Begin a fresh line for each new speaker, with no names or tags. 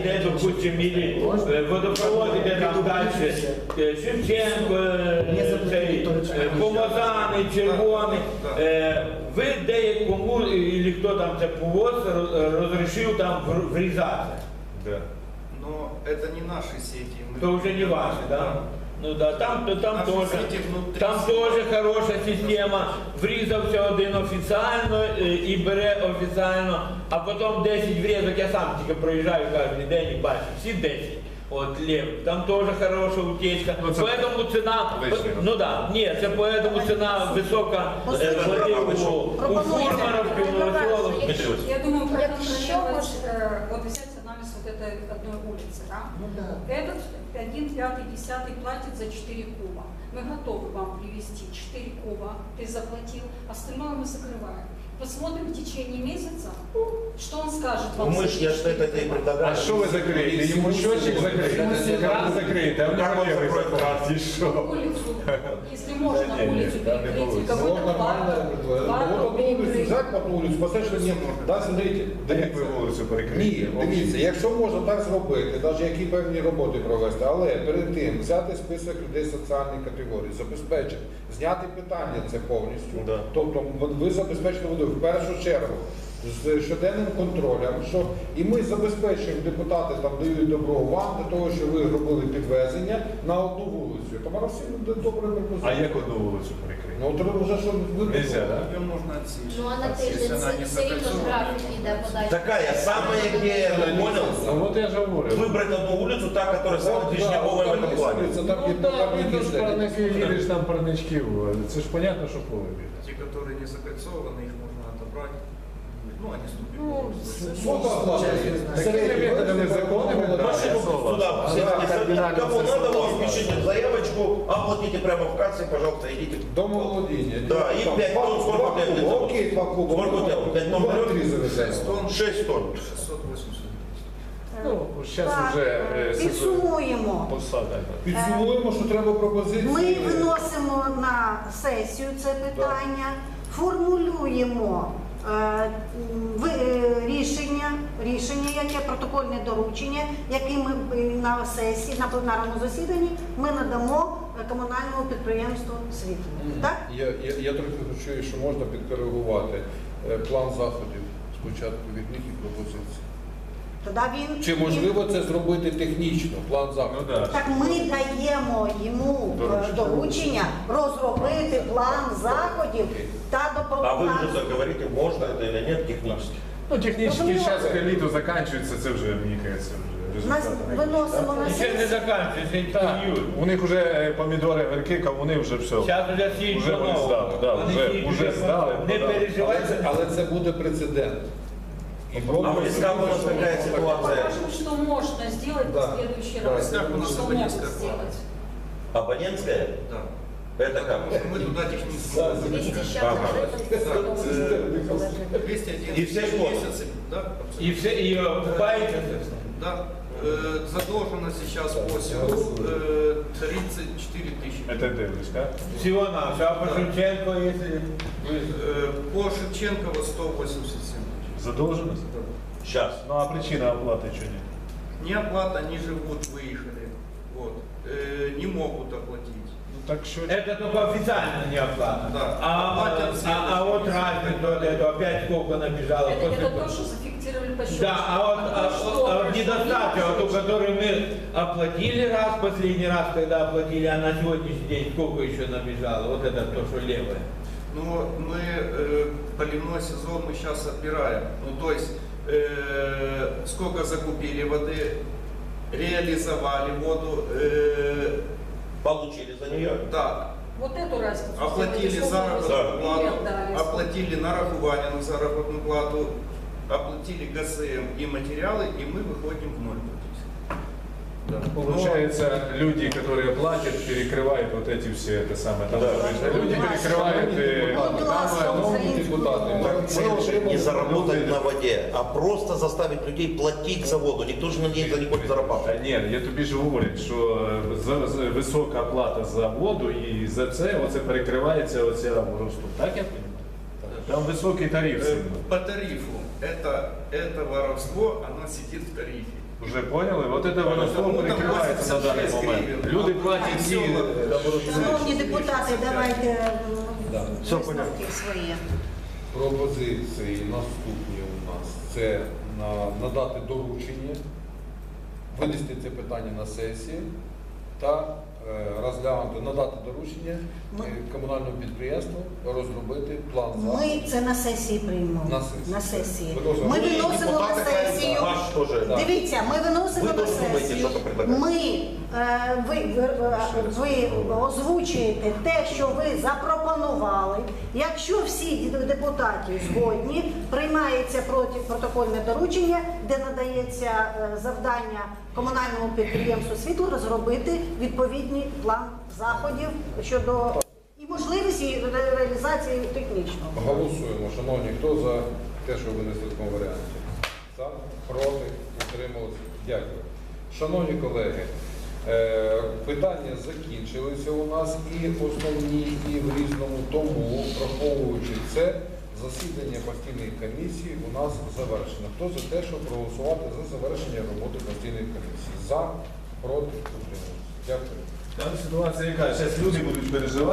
де, допустим, или водопровод, де там далі, Шевченко, Помазаний, Червоний, ви деякому, или хто там це повоз, розрішив там врізати?
Да.
Но это не наши сети.
То уже не ваши, да? Ну да, там тоже хороша система. Врізався один офіційно і бере офіційно, а потім 10 врізок, я сам тільки проїжджаю кожен день і бачу, всі 10. От лев, там тоже хорошая утечка, поэтому цена, ну да, нет, это поэтому цена высокая у фурманов,
Я думаю, проконтролировать, вот взять анализ вот этой одной улицы, да? Этот 1, 5, 10 платит за 4 куба. Мы готовы вам привезти 4 куба, ты заплатил, остальное мы закрываем. Посмотрим в течение месяца, что он скажет вам.
Мы же, я что это и предлагаю.
А что вы закрыли? Ему счетчик закрыли, кран закрыт, а у него левый закрыт, и что?
Улицу, если можно улицу перекрыть, какой-то парк
Взять по вулицю, поставити, що ні, да, смотрите.
Да як ви вулицю перекрили?
Ні, дивіться, якщо можна так зробити, навіть які певні роботи провести, але перед тим взяти список людей соціальної категорії, забезпечити, зняти питання це повністю.
Да.
Тобто ви забезпечите воду в першу чергу з щоденним контролем, що і ми забезпечуємо, депутати там дають добро вам для того, щоб ви робили підвезення на одну вулицю. Тому всі буде добре
А
пропозиція.
як одну вулицю перекрити?
Ну, треба вже, щоб ви...
Нельзя, да?
Ее можно отсечь.
Ну а на тиждень це все рівно ж графік йде подачі.
Такая самая, где, понял?
Ну вот я же говорю.
Выбрать одну улицу, та, которая самая движняковая в этом плане.
Це так,
Ну
як
да,
так,
ну
як
то ж
і
парники, їдеш там парнички, це ж понятно, що поле біля.
Те, которые не закольцованы, их можно отобрать. Ну, они
Ну,
ступили.
такими методами законными, да,
Машину
я
сюда,
согласен.
все
Да,
записать.
кардинально
Кому
все
надо,
согласен.
вы пишите заявочку, оплатите прямо в кассе, пожалуйста, идите.
Домоволодіння.
Да, і 5 тонн, сколько влезет?
Окей, 2 куба.
Сколько влезет? 5 тонн берет?
3 завеземо.
6 тонн,
6 тонн.
680.
Ну, зараз
Так,
вже
підсумуємо.
посада.
Підсумуємо, що треба пропозиції.
Ми виносимо на сесію це питання, формулюємо рішення, яке протокольне доручення, яке ми на сесії, на пленарному засіданні ми надамо комунальному підприємству «Світло». Так?
Я трохи хочу, що можна підкоригувати план заходів спочатку від них і пропозиції.
Тоді він...
Чи можливо це зробити технічно, план заходів?
Ну да.
Так ми даємо йому доручення розробити план заходів та
А вы
допомагати.
уже говорите, можно это или нет технически.
Ну, технически
Ну,
сейчас к літу заканчивается, це вже, мені кажется, вже
Нас
результати.
виносимо на
Ще не
сесію.
закінчується,
Так,
іюль.
у них вже помідори, огірки, вони вже все.
Зараз вже сіють
Уже вони здали, да, вже здали,
Не
продали.
переживайте.
Але це буде прецедент. І
А в Лисках у нас такая ситуация.
Покажем, что можно сделать
Да.
в следующий
Да.
раз.
Так, у нас
Что могут
абонентская
сделать.
Абонентская?
Да.
Это как?
Мы туда технически.
200
Ага.
щас
201
И все год?
месяцы. Да,
І все, і окупається це все.
Да. Задолженность сейчас по селу 34 тысячи.
Это дивлюсь, так?
Всього на а по Шевченко, якщо...
По Шевченково 187 тысяч.
Задолженность?
Сейчас.
Ну а причина оплаты что нет?
Неоплата, они живут, выехали. Вот. Не могут оплатить.
Ну так що...
Это только официально не оплата.
Да.
А вот разница, вот это опять сколько набежало.
Это то, что зафиксировали по счету.
Да, а вот недостаток, вот у которой мы оплатили раз, последний раз, когда оплатили, а на сегодняшний день сколько еще набежало, вот это то, что левое.
Ну, мы поливной сезон мы сейчас отбираем. Ну, то есть, сколько закупили воды, реализовали воду,
Получили за нее?
да,
Вот эту разницу.
оплатили
сделали, сколько
заработную
вы
плату,
отдали.
оплатили нарахування на заработную плату, оплатили ГСМ и материалы, и мы выходим в ноль практически. Да.
Получается, люди, которые платят, перекрывают вот эти все, это самое, там,
Да.
люди перекрывают
Цель не заработать на воде, а просто заставить людей платить за воду. Никто же на ней не хочет
Та
зарабатывать.
ні, я тобі ж говорю, що висока плата за воду і за це оце перекривається оця росту. Так я розумію? Там високий тариф. сильно.
По тарифу это воровство, оно сидит в тарифе.
Уже поняли? Вот это воно слово перекривається на даний момент. Люди платять ці
Шановні депутати, давайте
Да.
висновки свої.
Пропозиції наступні у нас це надати доручення, винести це питання на сесію та розглянути, надати доручення комунальному підприємству розробити план
Ми
заходів.
це на сесії приймемо.
На сесії.
На сесії.
Виносимо.
Ми
Ну, і
виносимо на
депутати хай
сесію.
ваш теж.
Да.
Дивіться, ми виносимо
Ви
на
теж думаєте,
сесію.
що то предлагаєте?
Ви озвучуєте те, що ви запропонували. Якщо всі депутати згодні, приймається протокольне доручення, де надається завдання комунальному підприємству «Світло» розробити відповідний план заходів щодо і можливості реалізації технічного.
Голосуємо, шановні, хто за те, що винесли в такому варіанті? За, проти, утрималися. Дякую. Шановні колеги, питання закінчилися у нас і основні, і в різному, тому, враховуючи це, засідання постійної комісії у нас завершено. Хто за те, щоб проголосувати за завершення роботи постійної комісії? За, проти, утрималися. Дякую.
Там ситуація яка, зараз люди будуть переживати.